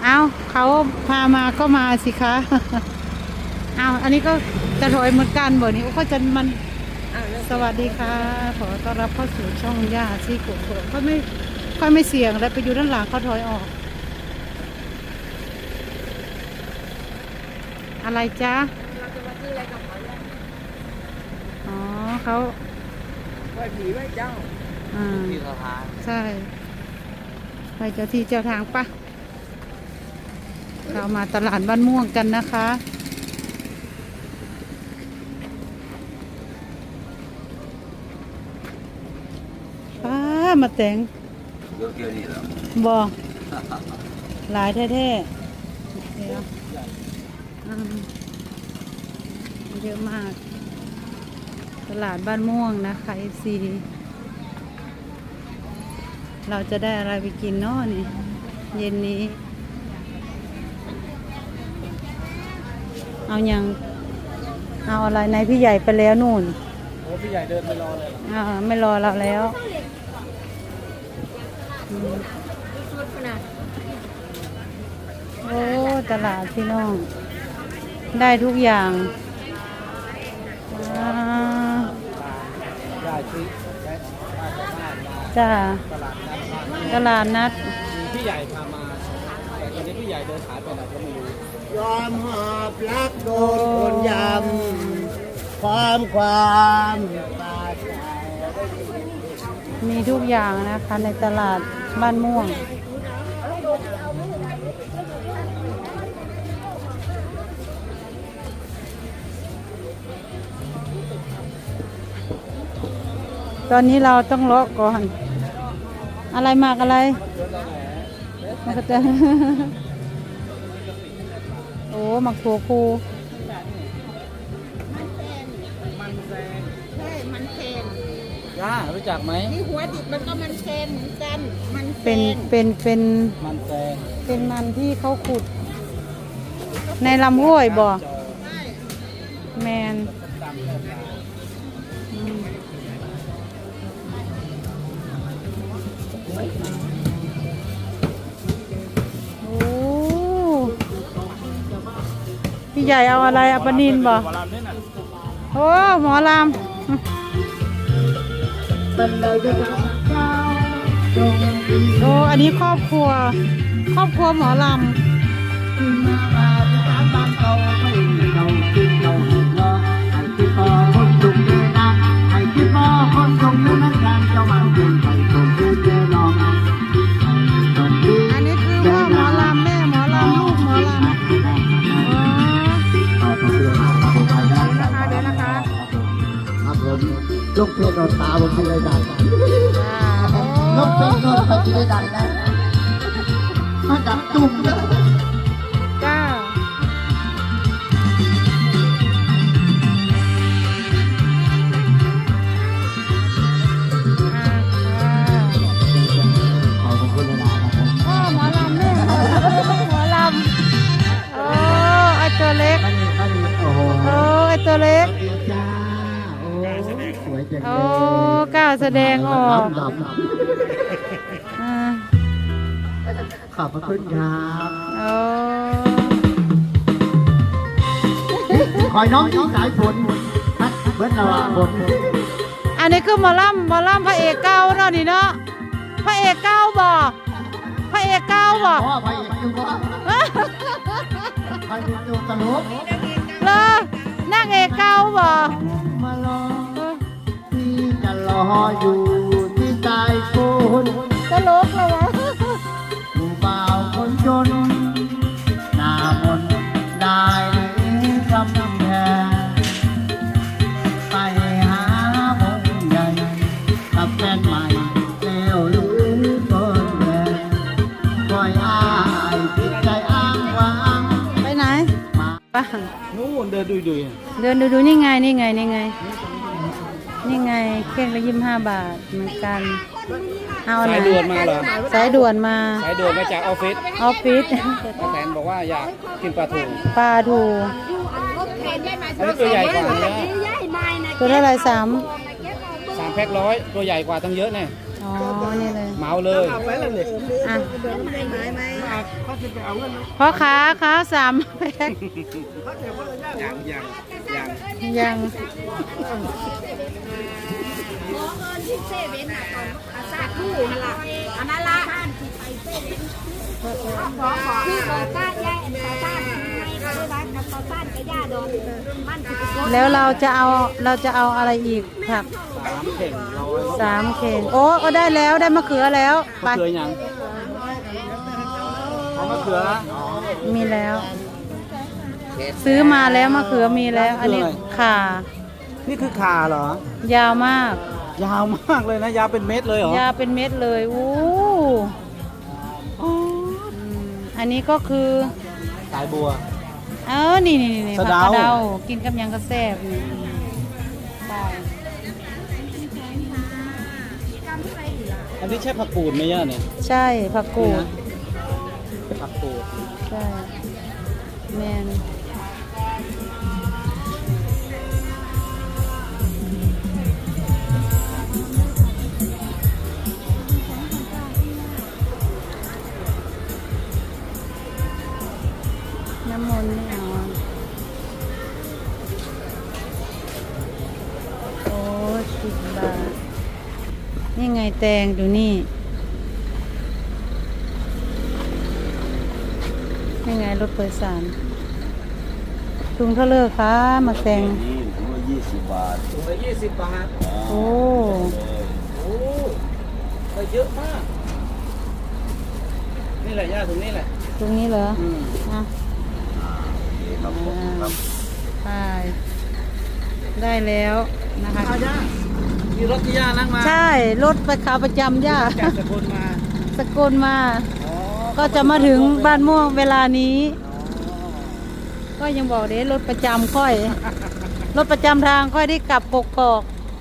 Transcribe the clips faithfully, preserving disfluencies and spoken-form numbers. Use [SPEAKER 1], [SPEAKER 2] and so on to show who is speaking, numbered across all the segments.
[SPEAKER 1] เอาเขาพามาก็มาสิคะ เอาอันนี้ก็จะถอยเหมือนกันบ่นี้ก็จะมันสวัสดีค่ะขอต้อนรับเข้าสู่ช่องย่าซี่กุ๊กเขาไม่ค่อยไม่เสี่ยงแล้วไปอยู่ด้านหลังเขาถอยออกอะไรจ๊ะเราจะมาซื้ออะไรกับเขาอ๋อเขาไหว้ผีไหว้เจ้าอ่าที่เจ้าทางใช่ไปเจ้าที่เจ้าทางปะเรามาตลาดบ้านม่วงกันนะคะป้ามาแต่งบอหลายแท้ๆเดี๋ยวเยอะมากตลาดบ้านม่วงนะคะเอฟซีเราจะได้อะไรไปกินเนาะนี่เย็นนี้เอายังเอาอะไรในพี่ใหญ่ไปแล้วนู่น
[SPEAKER 2] โอ้พี่ใหญ่เดินไปรอเลย
[SPEAKER 1] อ่าไม่รอเราแล้วโอ้ตลาดพี่น้องได้ทุกอย่างจ้าตลาดนัด
[SPEAKER 2] พี่ใหญ่พามาแต่ตอนนี้พี่ใหญ่เดินหายไปไหนก็ไม่รู้
[SPEAKER 3] ยอมหอบรักโดนคนยำความความตาใจ
[SPEAKER 1] มีทุกอย่างนะคะในตลาดบ้านม่วงตอนนี้เราต้องเลาะก่อนอะไรมากอะไรมันก็จะโอ้หมักถั่วคู
[SPEAKER 2] มันแซง
[SPEAKER 4] ใช่มันเซน
[SPEAKER 2] ย่ารู้จักไหม
[SPEAKER 4] ที่หัวดิบมันก็มันเซนกันมันเซ
[SPEAKER 1] เป็น
[SPEAKER 4] น
[SPEAKER 1] เป็นเป็น
[SPEAKER 2] มันแซง
[SPEAKER 1] เป็นมันที่เขาขุดในลำห้วยบ่แมนพี่ใหญ่เอาอะไรเอาปลานิลบ่โอ้หมอลำโอ้อันนี้ครอบครัวครอบครัวหมอลำอันนี้คือพ่อหมอลำแม่หมอลำลูกหมอลำ
[SPEAKER 3] ลูกเพชรโดนตาผมที่ไรดังลูกเพชรโดนไปที่ไรดังนะมาดับตุ่มเลย
[SPEAKER 1] จ้า
[SPEAKER 3] ขอบคุณนะครับ
[SPEAKER 1] พ่อหมอลำแม่หมอลำโอ้ไอตัวเล็กโอ้ไอตัวเล็กโอ้กล้าแสดงออก
[SPEAKER 3] ขอบคุณครับ
[SPEAKER 1] โอ้
[SPEAKER 3] คอยน้องที่สายฝนเบิ้ลเราฝน
[SPEAKER 1] อันนี้คือหมอลำหมอลำพระเอกเก้าเนาะนี่เนาะพระเอกเก้าบ่พระเอกเก้าบ่
[SPEAKER 3] พ่อพระเอกอยู่บ่พระเอกอยู่ตลก
[SPEAKER 1] เลยนั่งเอกเก้าบ่
[SPEAKER 3] มารอที่จะรออยู่ที่ใจคน
[SPEAKER 1] ตลกเลยวะ
[SPEAKER 3] ผู้บ่าวคนจนหน้ามนได้กำแพงไปหาบงใหญ่กับแฟนใหม่แล้วหรือต้นแดงคอยอ้ายจิตใจอ้างว้าง
[SPEAKER 1] ไปไหนไป
[SPEAKER 2] นู่นเดินดุยดุย
[SPEAKER 1] เดินดูดูนี่ไงนี่ไงนี่ไงนี่ไงเครื่องละยี่สิบห้าบาทเหมือนกันเอาไหน
[SPEAKER 2] สายด่วนมาเหรอ
[SPEAKER 1] สายด่วนมา
[SPEAKER 2] สายด่วนมาจากออฟฟิศ
[SPEAKER 1] ออฟฟิศ
[SPEAKER 2] ป้าแตนบอกว่าอยากกินปลาทู
[SPEAKER 1] ปลาทู
[SPEAKER 2] อันนี้ตัวใหญ่กว่าเยอะ
[SPEAKER 1] ตัวเท่าไรสาม
[SPEAKER 2] สามแพ็คร้อยตัวใหญ่กว่าตั้งเยอะแน่
[SPEAKER 1] อ๋อนี่เลย
[SPEAKER 2] มเหมาเลย
[SPEAKER 3] เอาไปแล้วเนี่ย
[SPEAKER 1] อ่ะ
[SPEAKER 4] เดินได้ไหมไหม
[SPEAKER 3] เขาจะไปเอาเงิน
[SPEAKER 1] พ่อค้าค้าสามแพ็ค
[SPEAKER 3] เขาจะคนละอย่าง
[SPEAKER 2] ยังยังยัง
[SPEAKER 1] ยัง
[SPEAKER 4] ขอเงินที่เซเว่นอ่ะตอนอาซาคู่นั่นละอันนั้นละบ้านที่ไปเซเว่นขอขอที่ต่อต้านยายต่อต้านให้เขาด้วยบ้านต่อต้านกับย่าดอนมันจะเป็น
[SPEAKER 1] แล้วเราจะเอาเราจะเอาอะไรอีกผัก
[SPEAKER 2] สามเข่งร้อย
[SPEAKER 1] สามเข่งโอ้ก็ได้แล้วได้มะเขือแล้วไป
[SPEAKER 2] มะเขือยังเอามะเขือ
[SPEAKER 1] มีแล้ว ซื้อมาแล้วมะเขือมีแล้ว อันนี้ข่า
[SPEAKER 2] นี่คือข่าเหรอ
[SPEAKER 1] ยาวมาก
[SPEAKER 2] ยาวมากเลยนะ ยาวเป็นเม็ดเลยเหรอ
[SPEAKER 1] ยาวเป็นเม็ดเลยอู้อืมอันนี้ก็คือ
[SPEAKER 2] สายบัว
[SPEAKER 1] เออนี่นี่นี่
[SPEAKER 2] สะ
[SPEAKER 1] ผัก
[SPEAKER 2] เดา
[SPEAKER 1] กระเดากินกับหยังกระแซบนี่ได้
[SPEAKER 2] อันนี้ใช่ผักกูดไหมย่าเนี่ย
[SPEAKER 1] ใช่ผักกูด
[SPEAKER 2] ผักกูด
[SPEAKER 1] ใช่แมนน้ำมนต์ไม่เอาอะโอ้สิบบาท นี่ไงแตงดูนี่ นี่ไงรถโดยสารถุงเท่าเลอคะมาแตง
[SPEAKER 3] นี่ถุงละยี่สิบบาท
[SPEAKER 2] ถุงละยี่สิบบาท
[SPEAKER 1] โอ้
[SPEAKER 2] โอ้ได้เยอะมาก นี่แหละย่าถุงนี้แหละ
[SPEAKER 1] ตรงนี้เหรอ
[SPEAKER 2] อืม
[SPEAKER 1] อ่ะ
[SPEAKER 3] ครับผมครับ
[SPEAKER 1] ไปได้แล้วนะคะ
[SPEAKER 2] เอาย่ามีรถที่ย่านั่งมา
[SPEAKER 1] ใช่ รถไปขาประจำย่า
[SPEAKER 2] จากสกลมา
[SPEAKER 1] สกลมา
[SPEAKER 2] อ๋อ
[SPEAKER 1] ก็จะมาถึงบ้านม่วงเวลานี้ ก็ยังบอกเด้รถประจำค่อย รถประจำทางค่อยได้กลับกกอก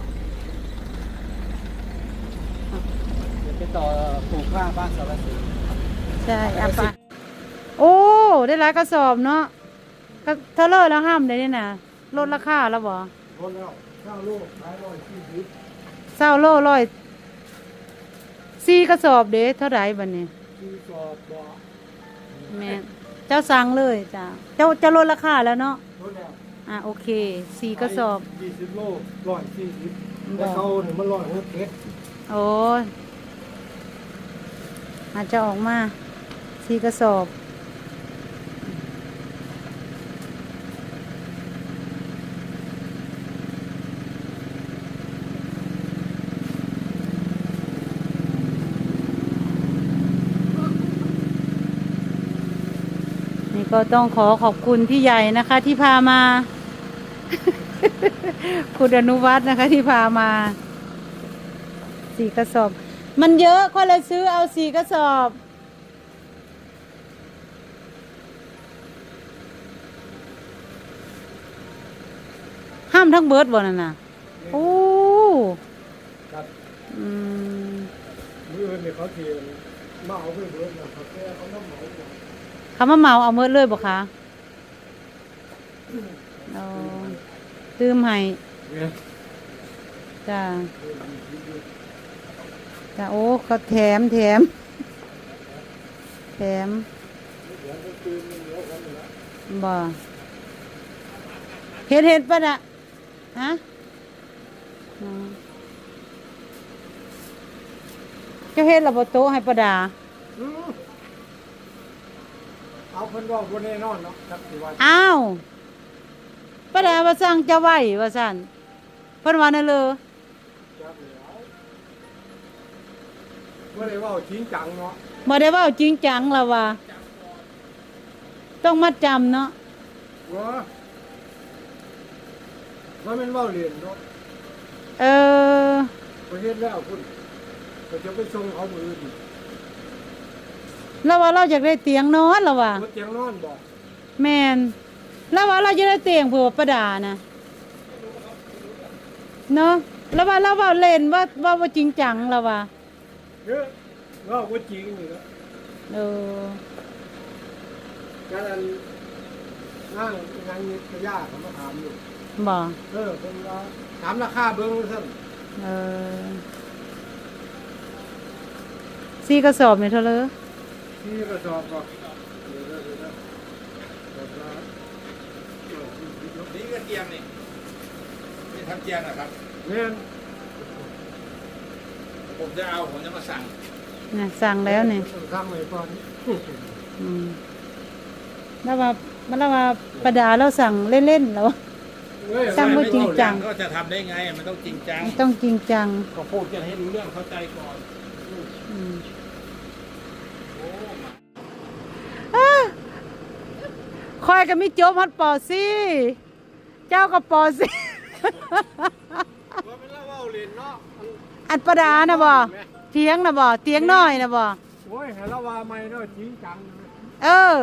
[SPEAKER 2] เดี๋ยวไปต่อปลูกข้างบ้านสารสิน
[SPEAKER 1] ใช่อ่ะไปโอ้ ได้หลายกระสอบเนาะก็เท่าเลอแล้วห้ามได้นี่นะลดราคาแล้วบ่
[SPEAKER 3] รถแล้วเก้าลูกขายร้อยสี่สิบ
[SPEAKER 1] เศร้าโลร้อยสี่กระสอบเด้เท่าไหร่บัดนี้
[SPEAKER 3] สี่สอบบ่
[SPEAKER 1] แม่เจ้าสั่งเลยจ้าเจ้าจะลดราคาแล้วเนาะ
[SPEAKER 3] รถแล้ว
[SPEAKER 1] อ่ะโอเคสี่กระสอบ
[SPEAKER 3] ยี่สิบโลร้อยสี่สิบ
[SPEAKER 1] บ่
[SPEAKER 3] แต่เขาเนี่ยมันร้อยหกเอ็ด
[SPEAKER 1] โอ้ยอาจจะออกมาสี่กระสอบ นี่ก็ต้องขอขอบคุณพี่ใหญ่นะคะ ที่พามา คุณอนุวัฒน์นะคะ ที่พามาสี่กระสอบ มันเยอะก็เลยซื้อเอาสี่กระสอบ ห้ามทั้งเบิร์ดบ่นั่นน่ะโอ้
[SPEAKER 3] ครับ
[SPEAKER 1] อืม
[SPEAKER 3] มืออื่นเนี่ยเขาเทียนมาเอาไปเบิดนะเขาแค่เขาต้องเหมาหมด
[SPEAKER 1] คำว่าเมาเอาเมิดเลยบ่คะเอาตื้มให้
[SPEAKER 3] เนี่ย
[SPEAKER 1] จ้าจ้าโอ้เขาแถมแถมแถมบ่เห็ดเห็ดปะน่ะฮะอ๋อเจ้าเห็ดระบบโต๊ะให้ประดา
[SPEAKER 3] อืมเอาเพิ่นว่าบ่แน่นอนเนาะครับสิว่า
[SPEAKER 1] อ้าวประดาว่าสั่งจะไหวว่าสั่นเพิ่นว่านั่นเลย
[SPEAKER 3] จับแล้วบ่ได้เว่าจริงจังเนาะ
[SPEAKER 1] บ่ได้เว่าจริงจังละว่า ต้องมาจำเนาะ
[SPEAKER 3] ว่าว่ามันเว้าเรียนเนาะ
[SPEAKER 1] เออ
[SPEAKER 3] ประเฮ็ดแล้วพุ่นก็จะไปส่งเขามืออื่น
[SPEAKER 1] แล้วว่าเราอยากได้เตียงนอนละว่า
[SPEAKER 3] บ่เตียงนอนบ่
[SPEAKER 1] แม่นแล้วว่าเราจะได้เตียงเผื่อประดานะเนาะแล้วว่าเราเว่าเล่นว่าว่าว่าจริงจังละว่า
[SPEAKER 3] เด้อเว่าบ่จริงนี่เนาะ
[SPEAKER 1] เออ
[SPEAKER 3] การอันนั่งงานนิตยาเขามาถามอยู่
[SPEAKER 1] บ่
[SPEAKER 3] เออเพิ่นว่าถามราคาเบิ่งซั่น
[SPEAKER 1] เออสี่กระสอบเนี่ยเท่าเลย
[SPEAKER 2] นี่กระสอบก็นี่ก็เตียงนี่นี่ทำเตียงนะครับเนี่ยผมจะเอาผมจะมาสั่ง
[SPEAKER 1] นะสั่งแล้วเนี่ย
[SPEAKER 2] สั่งไว้ก่อน
[SPEAKER 1] อืมแล้วว่ามันแล้วว่าประดาเราสั่งเล่นๆแล้ว สั่งไว้จริงจัง
[SPEAKER 2] ก็จะทำได้ไงมันต้องจริงจัง
[SPEAKER 1] ต้องจริงจัง
[SPEAKER 2] ก็พูดกันให้รู้เรื่องเข้าใจก่อน
[SPEAKER 1] อืมอ้าคอยก็มีโจมฮอดปอซี่เจ้าก็ปอซี่
[SPEAKER 2] ว่าเป็นเล่าว่าเล่นเนาะ
[SPEAKER 1] อันประดานะบ่เตียงนะบ่เตียงน้อยนะบ่
[SPEAKER 2] โอ้ยเห็นแล้วว่าไม่เนาะจริงจัง
[SPEAKER 1] เออ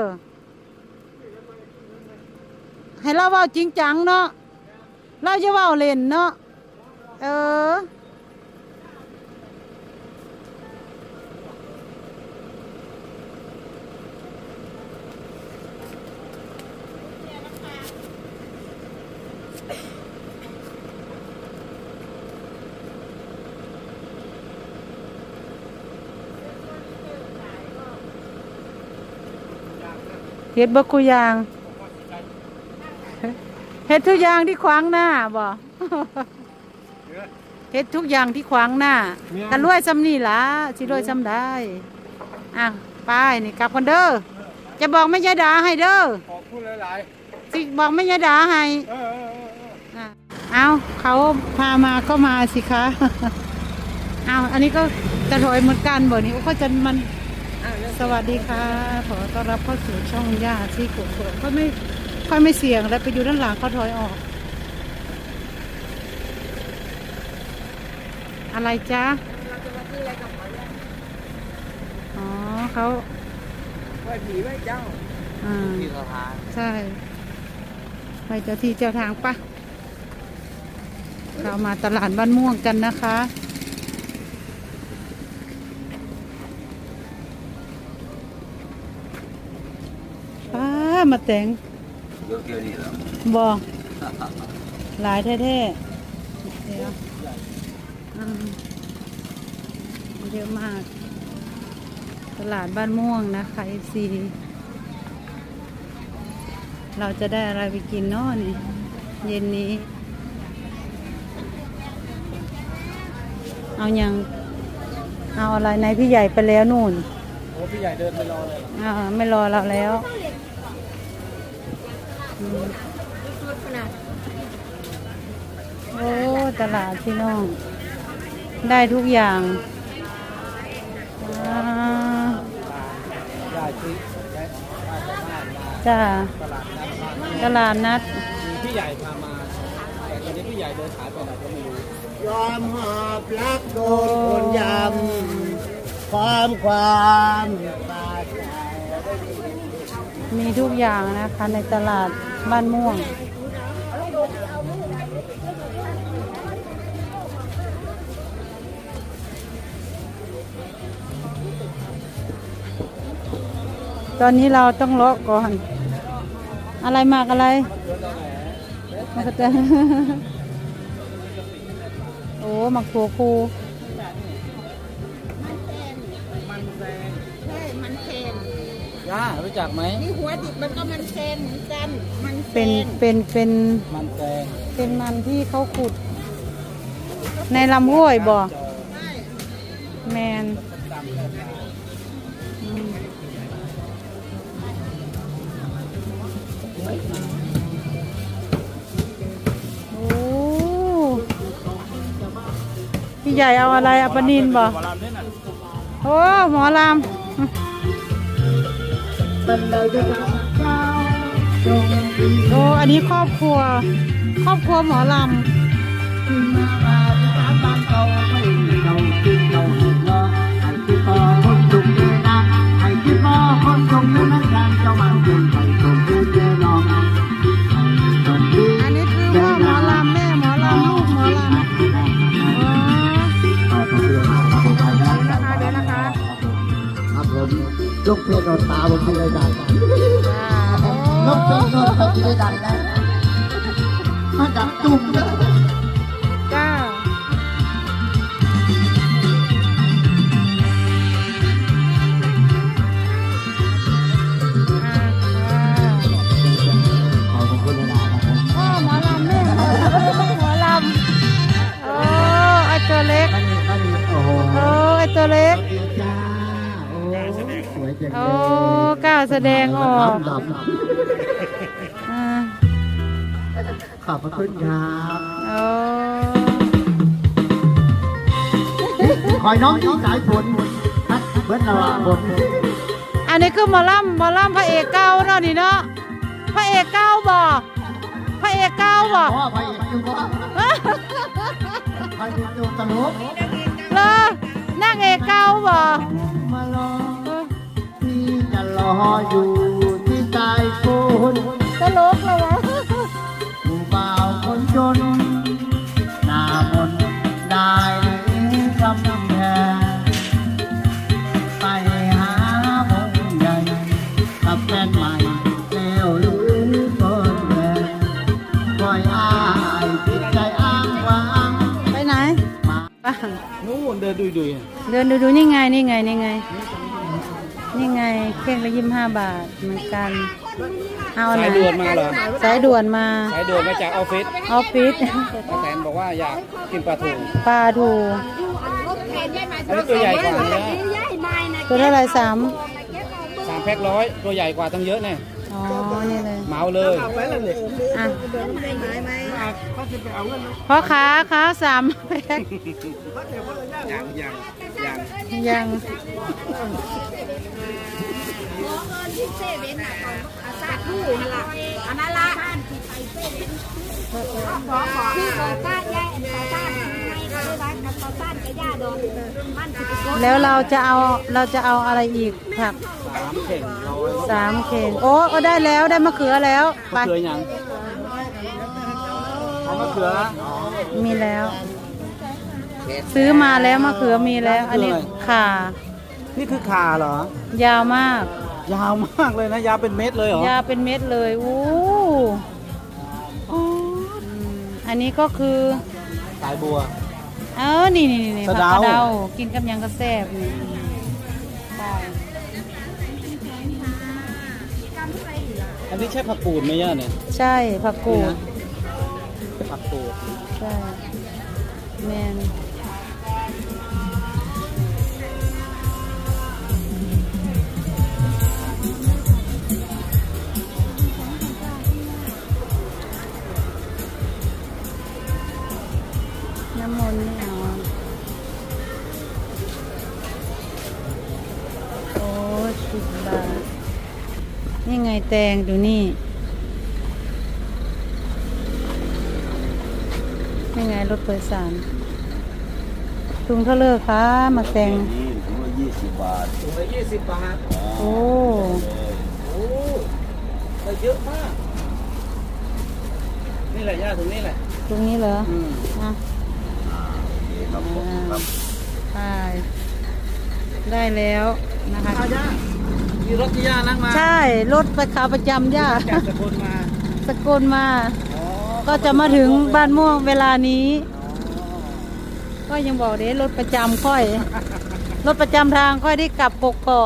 [SPEAKER 1] ให้เราเว้าจริงจังเนาะเราจะเว้าเล่นเนาะเออเฮ็ดบ่กูอย่างเฮ็ดทุกอย่างที่ขวางหน้าบ่เฮ็ดทุกอย่างที่ขวางหน้ากันรวยซ้ำนี่ล่ะสิรวยซ้ำได้อ่ะไปนี่กลับกันเด้อจะบอกแม่ยายดาให้เด้อ
[SPEAKER 2] ขอบคุณหลาย
[SPEAKER 1] สิบอกแม่ยายดาให้
[SPEAKER 2] ๆเออเออเออ
[SPEAKER 1] อ่ะเอาเขาพามาก็มาสิคะ เอาอันนี้ก็จะถอยเหมือนกันบ่นี่เขาจะมันสวัสดีค่ะขอต้อนรับเข้าสู่ช่องย่าที่กดกดเขาไม่ค่อยไม่เสี่ยงแล้วไปอยู่ด้านหลังเขาถอยออก อะไรจ๊ะอ๋อเขา
[SPEAKER 2] ไหว้ผีไหว้เจ้า
[SPEAKER 1] อ่า
[SPEAKER 2] ที่สะพาน
[SPEAKER 1] ใช่ไปเจ้าที่เจ้าทางปะเรามาตลาดบ้านม่วงกันนะคะป้ามาแต่ง
[SPEAKER 2] เยอะเกินนี่แล้ว
[SPEAKER 1] บอกหลายแท้ๆเดี๋ยวอืมเยอะมาก ตลาดบ้านม่วงนะคะเอฟซีเราจะได้อะไรไปกินเนาะนี่เย็นนี้ เอายังเอาอะไรในพี่ใหญ่ไปแล้วนู่น
[SPEAKER 2] โอ้พี่ใหญ่เดินไปรอเลย
[SPEAKER 1] อ่าไม่รอเราแล้วอืมโอ้ตลาดพี่น้อง ได้ทุกอย่างอ่า
[SPEAKER 2] ได้ที่ได้ได้สามารถมา
[SPEAKER 1] จ้า
[SPEAKER 2] ตลาดนัดมา
[SPEAKER 1] ตลาดนัด
[SPEAKER 2] มีพี่ใหญ่พามาแต่ตอนนี้พี่ใหญ่เดินหายไปไหนก็ไม่รู้
[SPEAKER 3] ยอมหอบรักโดนคนยำความความตาใจ
[SPEAKER 1] มีทุกอย่างนะคะในตลาดบ้านม่วง ตอนนี้เราต้องเลาะก่อน อะไรมากอะไรมันก็จะ โอ้หมักถั่วพู
[SPEAKER 2] มันแซง
[SPEAKER 4] ใช่มันแพง
[SPEAKER 2] ย่ารู้จักไหม
[SPEAKER 4] นี่หัวดิบมันก็มันแพงเหมือนกันมันแพ
[SPEAKER 1] เป็น
[SPEAKER 4] ง
[SPEAKER 1] เป็นเป็น
[SPEAKER 2] มันแซง
[SPEAKER 1] เป็นมันที่เขาขุด ในลำห้วยบ่
[SPEAKER 4] ใช่
[SPEAKER 1] แมนอืมโอ้พี่ใหญ่เอาอะไรเอาปลานินบ่
[SPEAKER 2] หมอลำเนี่ยน่ะ
[SPEAKER 1] โอ้หมอลำ โอ้อันนี้ครอบครัว ครอบครัวหมอลำ อันนี้คือพ่อหมอลำแม่หมอลำลูกหมอลำอ๋อ
[SPEAKER 3] เดี๋ยวนะคะ ครับผมลูกเพชรโดนตาผมที่ได้ดัง
[SPEAKER 1] อ่า
[SPEAKER 3] ลูกเพชรโดนตาที่ได้ดังนะมาจับจุ่มเลย
[SPEAKER 1] จ้าแสดงออก
[SPEAKER 3] ด
[SPEAKER 1] อ่า
[SPEAKER 3] ำขอบพระคุณครับ
[SPEAKER 1] โอ้
[SPEAKER 3] คอยน้องที่สายฝนพัดเบิ้ลระวังฝน
[SPEAKER 1] อันนี้คือหมอลำหมอลำพระเอกเก่าเนาะนี่เนาะพระเอกเก่าบ่พระเอกเก่าบ่
[SPEAKER 3] พ่อไปอยู่บ่ไปอยู่ตลก
[SPEAKER 1] เลอนั่งเอกเก่าบ่
[SPEAKER 3] มารอที่จะรออยู่ที่ใต้ฝน
[SPEAKER 1] ตลกเลยวะ
[SPEAKER 3] ผู้บ่าวคนจนหน้ามนต์ได้คำแพงไปหาบงใหญ่กับแฟนใหม่แล้วหรือเปิดแหวนปล่อยอายจิตใจอ้างว้าง
[SPEAKER 1] ไปไหน
[SPEAKER 3] มา
[SPEAKER 1] ไป
[SPEAKER 2] นู่นเดินดุยดุย
[SPEAKER 1] เดินดูดูนี่ไงนี่ไงนี่ไงนี่ไงเค้กละยี่สิบห้าบาทเหมือนกันเอาไหน
[SPEAKER 2] สายด่วนมาเหรอ
[SPEAKER 1] สายด่วนมา
[SPEAKER 2] สายด่วนมาจากออฟฟิศ
[SPEAKER 1] ออฟฟิศ
[SPEAKER 2] ป้าแตนบอกว่าอยากกินปลาทู
[SPEAKER 1] ปลาดู
[SPEAKER 4] รถแทนยายมา
[SPEAKER 2] อันนี้ตัวใหญ่กว่านะ
[SPEAKER 4] ยายมานะ
[SPEAKER 1] ตัวเท่าไหรสาม
[SPEAKER 2] สามแพ็คร้อยตัวใหญ่กว่าตั้งเยอะแน่
[SPEAKER 1] อ๋อนี่เลย
[SPEAKER 2] เหมาเลย
[SPEAKER 1] อ่ะพ่อค้าค้าสามแพ็ค
[SPEAKER 2] ยังยังยัง
[SPEAKER 1] ยัง
[SPEAKER 4] ขอเงินที่เซเว่นน่ะอาซาทูนั่นล่ะอันนั้นละขอขอคือต่อต้านยายต่อต้านในก็ได้ว่ากับต่อต้านกับย่าดอนมันสิไปกด
[SPEAKER 1] แล้วเราจะเอาเราจะเอาอะไรอีกผัก
[SPEAKER 2] สามเข่งร้อย
[SPEAKER 1] สามเข่งโอ้เอาได้แล้วได้มะเขือแล้วไป
[SPEAKER 2] มะเขือยังเอามะเขือ
[SPEAKER 1] มีแล้ว ซื้อมาแล้วมะเขือมีแล้ว อันนี้ข่า
[SPEAKER 2] นี่คือขาเหรอ
[SPEAKER 1] ยาวมาก
[SPEAKER 2] ยาวมากเลยนะ ยาวเป็นเม็ดเลยเหรอ
[SPEAKER 1] ยาวเป็นเม็ดเลยอู้อืมอันนี้ก็คือ
[SPEAKER 2] สายบัว
[SPEAKER 1] เออนี่นี่นี่
[SPEAKER 2] สะ
[SPEAKER 1] ผัก
[SPEAKER 2] เดา
[SPEAKER 1] กระเดากินกับหยังก็แซ่บนี่ใช่
[SPEAKER 2] อันนี้ใช่ผักกูดไหมย่าเนี่ย
[SPEAKER 1] ใช่ผักกูด
[SPEAKER 2] ผักกูด
[SPEAKER 1] ใช่แมนน้ำมนต์ไม่เอาโอ้สิบบาทนี่ไงแตงดูนี่นี่ไงรถโดยสารถุงเท่าเลอคะมาแตง
[SPEAKER 2] ถุงละยี่สิบบาทถุงละยี่สิบบาท
[SPEAKER 1] โอ้
[SPEAKER 2] โอ้ได้เยอะมาก นี่แหละย่าถุงนี้แหละ
[SPEAKER 1] ตรงนี้เหรอ
[SPEAKER 2] อืม
[SPEAKER 1] อ่ะ
[SPEAKER 2] ครับผมครับ
[SPEAKER 1] ใช่ได้แล้วนะคะ
[SPEAKER 2] เอาย่ามีรถที่ย่านั่งมา
[SPEAKER 1] ใช่ รถไปขาประจำย่า
[SPEAKER 2] จากสกลมา
[SPEAKER 1] สกลมา
[SPEAKER 2] อ๋อ
[SPEAKER 1] ก็จะมาถึงบ้านม่วงเวลานี้ ก็ยังบอกเด้รถประจำค่อย รถประจำทางค่อยได้กลับกกอก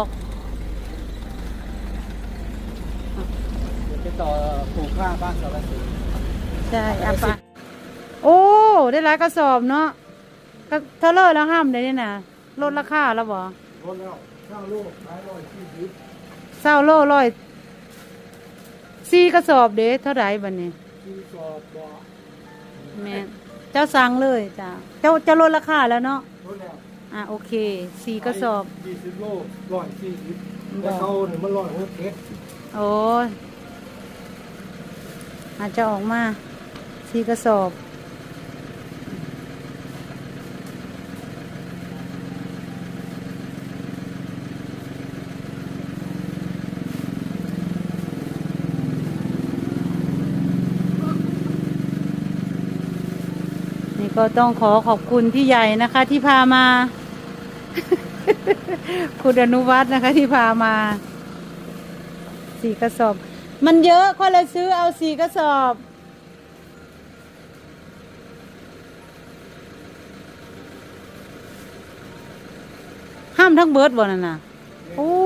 [SPEAKER 2] เดี๋ยวไปต่อปลูกข้างบ้านสารสิน
[SPEAKER 1] ใช่อ่ะไปโอ้ ได้หลายกระสอบเนาะก็เท่าเลอแล้วห้ามเดี๋ยวนี้นะลดราคาแล้วบ่
[SPEAKER 2] รถแล้วข้าวลูกขายร้อยสี่สิบ
[SPEAKER 1] เศร้าโลร้อยสี่กระสอบเด้เท่าไหร่บัดนี้
[SPEAKER 2] สี่สอบบ่
[SPEAKER 1] แม่นเจ้าสั่งเลยจ้าเจ้าจะลดราคาแล้วเนาะ
[SPEAKER 2] รถแล้ว
[SPEAKER 1] อ่ะโอเคสี่กระสอบ
[SPEAKER 2] ยี่สิบโลร้อยสี่สิบ
[SPEAKER 1] บ่
[SPEAKER 2] แต่เขาเนี่ยมันร้อยหกเอ็ด
[SPEAKER 1] โอ้ยอาจจะออกมาสี่กระสอบ นี่ก็ต้องขอขอบคุณพี่ใหญ่นะคะ ที่พามา คุณอนุวัฒน์นะคะ ที่พามาสี่กระสอบ มันเยอะก็เลยซื้อเอาสี่กระสอบ ห้ามทั้งเบิร์ดบ่นั่นน่ะโอ้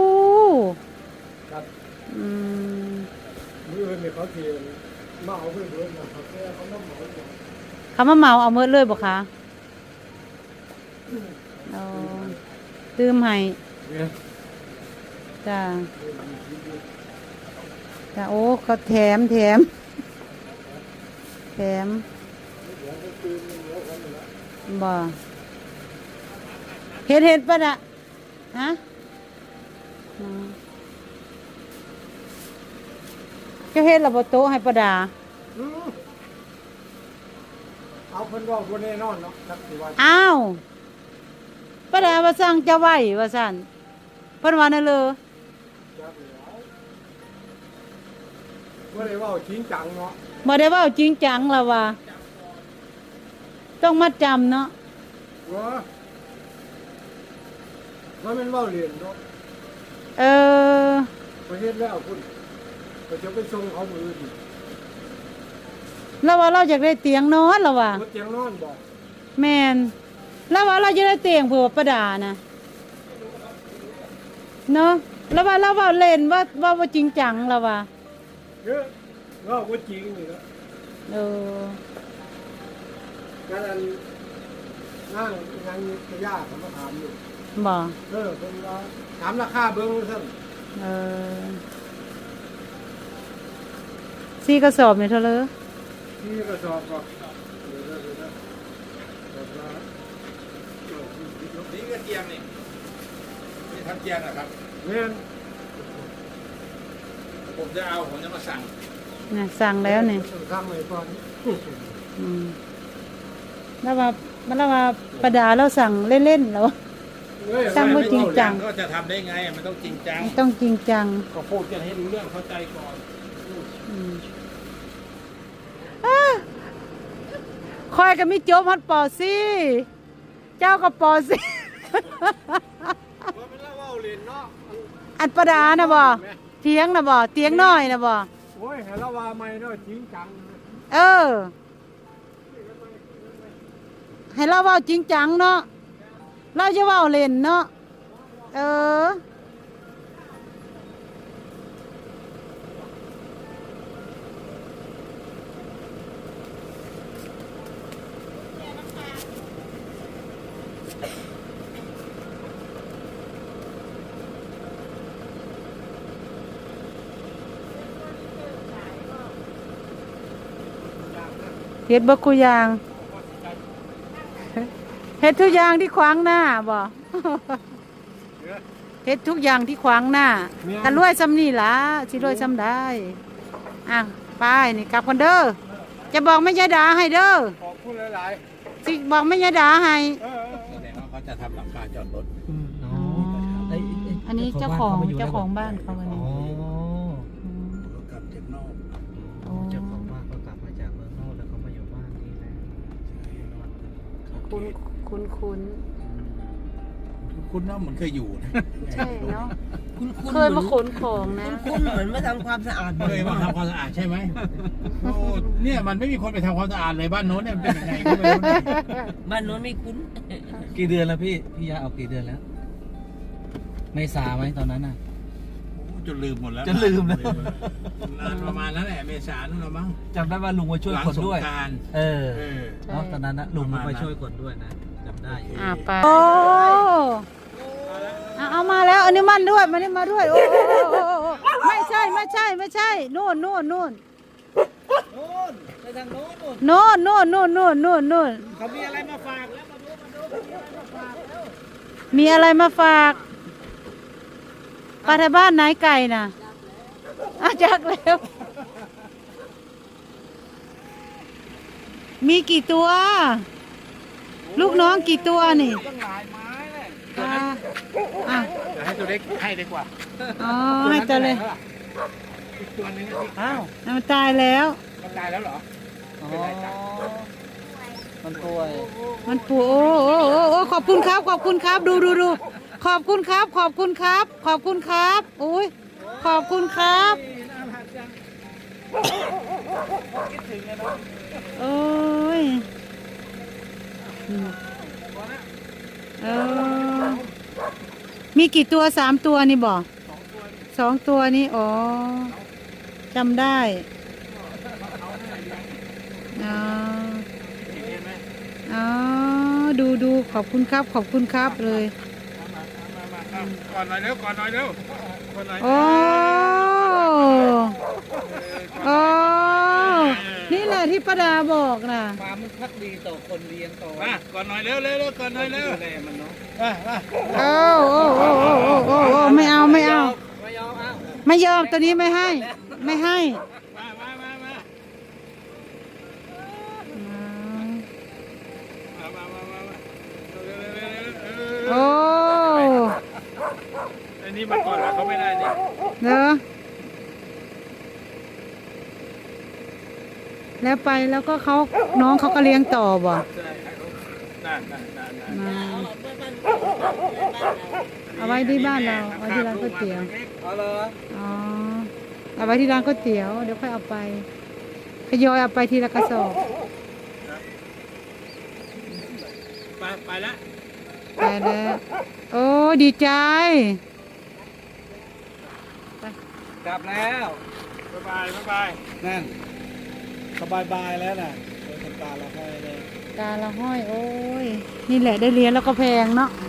[SPEAKER 1] อืม
[SPEAKER 2] มือเนี่ยเขาเทียนมาเอาเพื่อนเพื่อนนะครับแค่เขาต้องเหมาก่อน
[SPEAKER 1] เขามาเหมาเอาเมิดเลยบ่คะเอาตื้มให้
[SPEAKER 2] เนี่ย
[SPEAKER 1] จ้าจ้าโอ้ก็แถมแถมแถมบ่เฮ็ดเฮ็ดปะน่ะฮะอืมเจะเฮ็ดระบบโต๊ะให้ประดา
[SPEAKER 3] อืมเอาเพิ่นว่าบ่แน่นอนเนาะจักสิว่า
[SPEAKER 1] อ้าวประดาว่าสั่งจะไหวว่าสั่นเพิ่นว่านั่นเลย
[SPEAKER 3] จักแล้วบ่ได้เว้าจริงจังเนาะ
[SPEAKER 1] บ่ได้เว้าจริงจังแล้วว่าต้องมัดจำเนาะ
[SPEAKER 3] ว่าว่ามันเว้าเรียนเนาะ
[SPEAKER 1] เออ
[SPEAKER 3] ประเทศแล้วคุณก็จะไปส่งเขามือดิ
[SPEAKER 1] แล้วว่าเราอยากได้เตียงนอนแล้วว่า
[SPEAKER 3] รถเตียงนอนบอก
[SPEAKER 1] แม่นแล้วว่าเราจะได้เตียงเผื่อประดานะเนาะแล้วว่าเราว่าเล่นว่าว่าว่าจริงจังแล้วว่า
[SPEAKER 3] เยอะว่าว่าจริงนี่เนาะ
[SPEAKER 1] เออ
[SPEAKER 3] การอันนั่งงานกระยาเขามาถามอยู่
[SPEAKER 1] บ่
[SPEAKER 3] เออเป็นว่าถามราคาเบิ้งซั่น
[SPEAKER 1] เออสี่กระสอบเนี่ยเท่าเลย
[SPEAKER 3] ที่กระสอบก็เดี๋ยวๆเดี๋ยวๆแบบว่าเออ
[SPEAKER 2] นี่ก็เตียงนี่นี่ทำเตียงนะครับ
[SPEAKER 3] แม่น
[SPEAKER 2] ผมจะเอาผมจะมาสั่ง
[SPEAKER 1] นะสั่งแล้วเนี่ย
[SPEAKER 3] ทำไว้ก่อน
[SPEAKER 1] อืมแล้วว่าแล้วว่าประดาเราสั่งเล่นๆแล้ว
[SPEAKER 3] เอ้ย
[SPEAKER 1] สั่งบ่จริงจัง
[SPEAKER 2] ก็จะทำได้ไงมันต้องจริงจัง
[SPEAKER 1] ต้องจริงจัง
[SPEAKER 2] ก็พูดกันให้รู้เรื่องเข้าใจก่อน
[SPEAKER 1] อืมอ้าคอยก็มีโจมฮัดปอซี่เจ้าก็ปอซี่
[SPEAKER 3] ว่ามันเล่าเว้าเรียนเนาะ
[SPEAKER 1] อัดประดานะบ่เตียงนะบ่เตียงน้อยนะบ่
[SPEAKER 3] โอ้ยให้เราว่าไม่เนาะจริงจัง
[SPEAKER 1] เออ ให้เราเว้าจริงจังเนาะเราจะเว้าเล่นเนาะเออเฮ็ดบ่กูอย่างเฮ็ดทุกอย่างที่ขวางหน้าบ่ เฮ็ดทุกอย่างที่ขวางหน้ากันรวยซ้ำนี่ล่ะสิรวยซ้ำได้อ่ะไปนี่กลับกันเด้อจะบอกแม่ยายดาให้เด้อ
[SPEAKER 3] ขอบคุณหลาย
[SPEAKER 1] สิบอกแม่ยายดาให้
[SPEAKER 3] ๆเออ
[SPEAKER 2] แสดงว่าเขาจะทำหลังคาจอดรถ
[SPEAKER 1] อ๋ออันนี้เจ้าของเจ้าของบ้านเขาอัน
[SPEAKER 5] อ๋
[SPEAKER 1] นี้
[SPEAKER 5] อ
[SPEAKER 1] ม
[SPEAKER 2] กลับจากนอก
[SPEAKER 1] อ๋อ
[SPEAKER 5] เจ้าของบ้านก็กลับมาจากเมืองนอกแล้วเขามาอยู่บ้านนี่แหละ
[SPEAKER 1] คุ้นคุ้นคุ้น
[SPEAKER 2] คุณน้าเหมือนเคยอยู่นะ
[SPEAKER 1] ใช่เนาะ
[SPEAKER 5] คุณคุณ
[SPEAKER 1] เคยมาขนของนะ
[SPEAKER 5] คุณเหมือนมาทำความสะอาด
[SPEAKER 2] เคยมาทำความสะอาดใช่ไหมโอ้เนี่ยมันไม่มีคนไปทำความสะอาดเลยบ้านโน้นเนี่ยมันเป็นยังไงก็ไม่รู้นะ
[SPEAKER 5] บ้านโน้นไม่คุ้น กี่เดือนแล้วพี่ พี่ยาเอากี่เดือนแล้ว ไม่สาไหมตอนนั้นน่ะ
[SPEAKER 2] โอ้จนลืมหมดแล้ว
[SPEAKER 5] จนลืมแล้ว
[SPEAKER 2] นานประมาณนั้นแหละเมษานู่นละมั้ง
[SPEAKER 5] จำได้ว่าลุงมาช่วย
[SPEAKER 2] หลัง
[SPEAKER 5] คน
[SPEAKER 2] สง
[SPEAKER 5] ด้วย
[SPEAKER 2] กรานต์
[SPEAKER 5] เออ
[SPEAKER 2] เออ
[SPEAKER 5] เนาะตอนนั้นนะลุงมาช่วยคนด้วยนะจำได้อยู่
[SPEAKER 1] อ่าไปโอ้อ่ะเอามาแล้วอันนี้มันด้วยมันนี่มาด้วยโอ้โอ้โอ้โอ้โอ้ไม่ใช่ไม่ใช่ไม่ใช่นู่นนู่นนู่น
[SPEAKER 5] โน่นไปทางโน้นโน่น
[SPEAKER 1] นู่นนู่นนู่นนู่นนู่นนู่น
[SPEAKER 5] เขามีอะไรมาฝากแล้วมาดูมาดู
[SPEAKER 1] มีอะไรมาฝากปลาทบ้านไหนไก่น่ะอาจักแล้ว มีกี่ตัว ลูกน้องกี่ตัวนี่
[SPEAKER 3] ตั้งหลายไม้เลย
[SPEAKER 1] อ่าอ่ะ
[SPEAKER 2] เดี๋ยวให้ตัวเล็กให้ดีกว่า
[SPEAKER 1] อ๋อให้ตัวเลย
[SPEAKER 2] อีกตัวนึง
[SPEAKER 5] อ้าว
[SPEAKER 1] มันตายแล้ว
[SPEAKER 2] มันตายแล้วเหรอ
[SPEAKER 5] อ๋อมันป่วย
[SPEAKER 1] มันปูโอ้โอ้โอ้โอ้ขอบคุณครับ ขอบคุณครับ ดูดูดูขอบคุณครับ ขอบคุณครับ ขอบคุณครับอุ้ยขอบคุณครับโอ้ยอืมเออมีกี่ตัวสามตัวนี่บอกสองตัวนี่อ๋อจำได้อ๋ออ๋อดูดูขอบคุณครับ ขอบคุณครับเลย
[SPEAKER 2] ก่อนหน่อยเร็วก่อนหน่อยเร็ว
[SPEAKER 3] ข
[SPEAKER 2] คนหน่อย
[SPEAKER 1] โอ้โอ้นี่แหละที่ป้าดาบอกนะ
[SPEAKER 5] ความมันพักดีต่อคนเลี้ยงต่อ
[SPEAKER 2] มาก่อนหน่อยเร็วเร็วเร็วก่อนหน่อยเร็ว
[SPEAKER 5] ดูแลมันเนาะ
[SPEAKER 2] มามา
[SPEAKER 1] โอ้โอ้โอ้โอ้โอ้โอ้โอ้ไม่เอาไม่เอา
[SPEAKER 5] ไม่ยอมเอา
[SPEAKER 1] ไม่ยอมตัวนี้ไม่ให้ ไม่ให้
[SPEAKER 2] มามามามามามามามาเร็วเร็วเร็วเร็วเร็ว
[SPEAKER 1] โอ้
[SPEAKER 2] อันนี้มาก่อนแล้วเขาไม่ได้นี่
[SPEAKER 1] เด้อแล้วไปแล้วก็เขาน้องเขาก็เลี้ยงต่อบ่
[SPEAKER 2] ใช่นั่นนั่นนั่นนั่น
[SPEAKER 1] มาเอาไว้ที่บ้านเราเอาไว้ที่ร้านก๋วยเตี๋ยว
[SPEAKER 5] เอาเลย
[SPEAKER 1] อ๋อเอาไว้ที่ร้านก๋วยเตี๋ยวเดี๋ยวค่อยเอาไปทยอยเอาไปทีละกระสอบ
[SPEAKER 2] ไปไปแล้ว
[SPEAKER 1] ไปแล้วโอ้ดีใจ
[SPEAKER 5] กลับแล้ว
[SPEAKER 2] บ๊ายบายบ๊ายบาย
[SPEAKER 5] นั่นสบายบายแล้วน่ะโดยทำการเราให้เลย
[SPEAKER 1] ตาละห้อยโอ้ยนี่แหละได้เลี้ยงแล้วก็แพงเนาะ
[SPEAKER 5] อื